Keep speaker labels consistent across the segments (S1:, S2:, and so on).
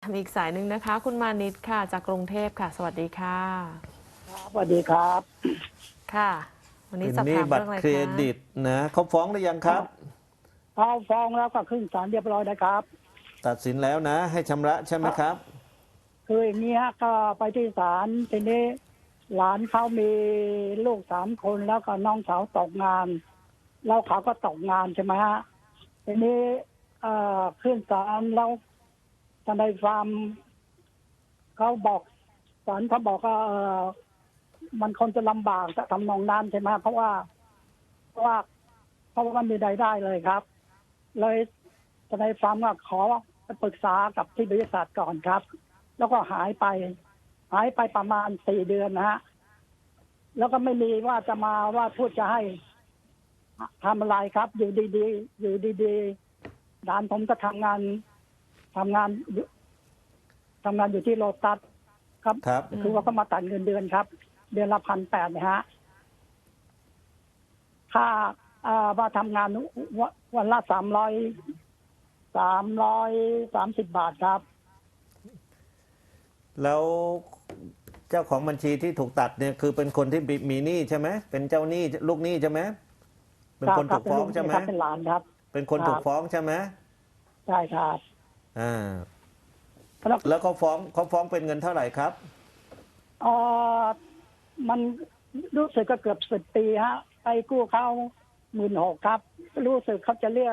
S1: อีกสายหนึ่งนะคะคุณมานิดค่ะจากกรุงเทพค่ะสวัสดีค่ะ
S2: สวัสดีครับ
S1: ค่ะวันนี้
S3: เป็น
S1: สอบ
S3: หนี้
S1: ถามเรื่องอะไร
S3: บัตรเคร
S1: คะ
S3: ดิตนะเขาฟ้องหรือยังครับ
S2: เขาฟ้องแล้วก็ขึ้นศาลเรียบร้อยนะครับ
S3: ตัดสินแล้วนะให้ชำระใช่ไหมครับ
S2: คืออย่างนี้ฮะก็ไปที่ศาลทีนี้หลานเขามีลูก3 คนแล้วก็น้องสาวตกงานแล้วเขาก็ตกงานใช่ไหมฮะทีนี้ขึ้นศาลแล้วทนายความเขาบอกศาลเขาบอกว่ามันคงจะลำบากจะทำนองนั้นใช่ไหมเพราะว่ามันมีรายได้เลยครับ เลยทนายความก็ขอไปปรึกษากับที่บริษัทก่อนครับ แล้วก็หายไปประมาณ4 เดือนนะฮะแล้วก็ไม่มีว่าจะมาว่าพูดจะให้ทำอะไรครับ อยู่ดีๆหลานผมก็ทำงานอยู่ที่โลตัสครับ
S3: ครับ
S2: คือว่าเขามาตัดเงินเดือนครับ เดือนละ1,800นะฮะค่าว่าทำงานวันละ330 บาทครับ
S3: แล้วเจ้าของบัญชีที่ถูกตัดเนี่ยคือเป็นคนที่มีหนี้ใช่ไหมเป็นเจ้าหนี้ลูกหนี้ใช่ไหมเป็นคนถูกฟ้องใช่ไหม
S2: เป็นหลานครับ
S3: เป็นคนถูกฟ้องใช่ไหม
S2: ใช่ครับ
S3: อ่าแล้วเขาฟ้องเป็นเงินเท่าไหร่ครับ
S2: มันรู้สึกก็เกือบ10 ปีฮะไปกู้เขา16,000ครับรู้สึกเขาจะเรียก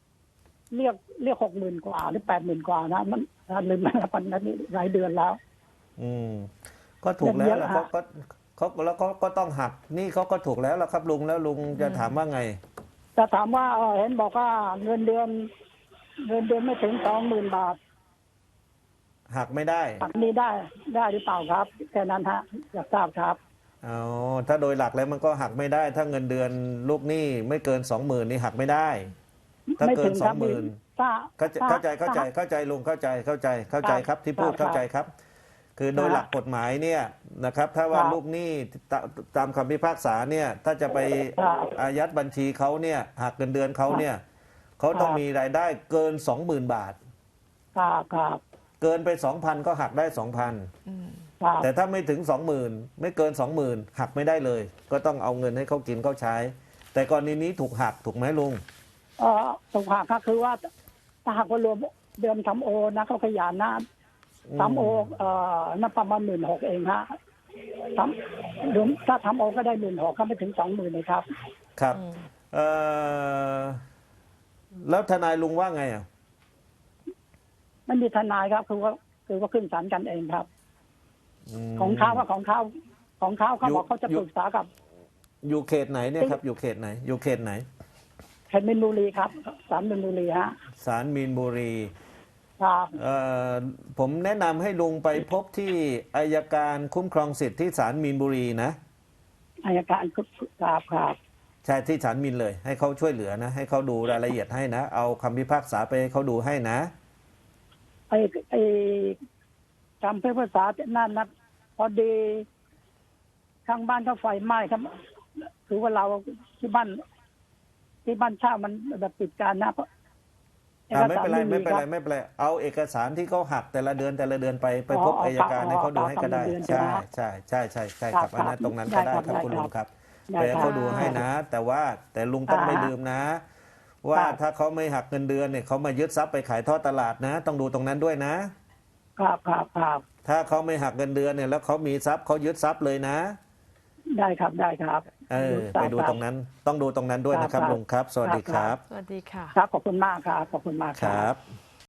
S2: 60,000 กว่าหรือ80,000 กว่านะมันลืมแล้วมันหลายเดือนแล้ว
S3: ก็ถูกแล้วแล้วเขาแล้วก็ต้องหักนี่เขาก็ถูกแล้วครับลุงแล้วลุงจะถามว่าไง
S2: จะถามว่าเห็นบอกว่าเงินเดือนไม่ถึง20,000 บาท
S3: หักไม่ได้
S2: หักนี้ได้หรือเปล่าครับแค่นั้นฮะอยากทราบครับ
S3: ถ้าโดยหลักแล้วมันก็หักไม่ได้ถ้าเงินเดือนลูกหนี้ไม่เกิน 20,000นี่หักไม่ได้ถ้าเกิน 20,000เข้าใจลุงเข้าใจครับที่พูดเข้าใจครับคือโดยหลักกฎหมายเนี่ยนะครับถ้าว่าลูกหนี้ตามคำพิพากษาเนี่ยถ้าจะไปอายัดบัญชีเขาเนี่ยหักเงินเดือนเขาเนี่ยเขาต้องมีรายได้เกิน 20,000 บาท
S2: ครับ
S3: เกินไป 2,000 ก็หักได้ 2,000แต่ถ้าไม่ถึง 20,000ไม่เกิน 20,000หักไม่ได้เลยก็ต้องเอาเงินให้เขากินเขาใช้แต่กรณีนี้ถูกหักถูกไหมลุง
S2: ถูกหักก็คือว่าถ้าหากว่ารวมเดือนทำโอนะเขาขยันนะทำโอน่าประมาณ16,000เองฮะถ้าทำโอก็ได้16,000ก็ไม่ถึง20,000เลยครับ
S3: ครับแล้วทนายลุงว่าไง
S2: ไม่มีทนายครับคือว่าขึ้นศาลกันเองครับของเขาเขาบอกเขาจะปรึกษากับ
S3: อยู่เขตไหนเนี่ยครับอยู่เขตไหนเขต
S2: มีนบุรีครับศาลมีนบุรีฮะ
S3: ศาลมีนบุรี
S2: ครับ
S3: ผมแนะนำให้ลุงไปพบที่อัยการคุ้มครองสิทธิ์ที่ศาลมีนบุรีนะ
S2: อัยการครับ
S3: ใช่ที่ศาลมีนเลยให้เขาช่วยเหลือนะให้เขาดูรายละเอียดให้นะเอาคำพิพากษาไปให้เขาดูให้นะ
S2: จำเพื่อภาษานั่นนะพอดีข้างบ้านเขาไฟไหม้ครับถือว่าเราที่บ้านเช่ามันแบบปิดการนะ
S3: ไม่เป็นไรเอาเอกสารที่เขาหักแต่ละเดือนไปพบอัยการให้เขาดูให้ก็ได้ใช่ครับอันนั้นตรงนั้นก็ได้ครับคุณลุงครับไปให้เขาดูให้นะแต่ลุงต้องไม่ลืมนะว่าถ้าเขาไม่หักเงินเดือนเนี่ยเขามายึดทรัพย์ไปขายทอดตลาดนะต้องดูตรงนั้นด้วยนะครับถ้าเขาไม่หักเงินเดือนเนี่ยแล้วเขามีทรัพย์เขายึดทรัพย์เลยนะ
S2: ได้ครับ
S3: ไปดูตรงนั้นต้องดูตรงนั้นด้วยนะครับลุงครับสวัสดีครับ
S1: สวัสดีค่ะ
S2: ครับขอบคุณมากครับขอบคุณมาก
S3: ครับ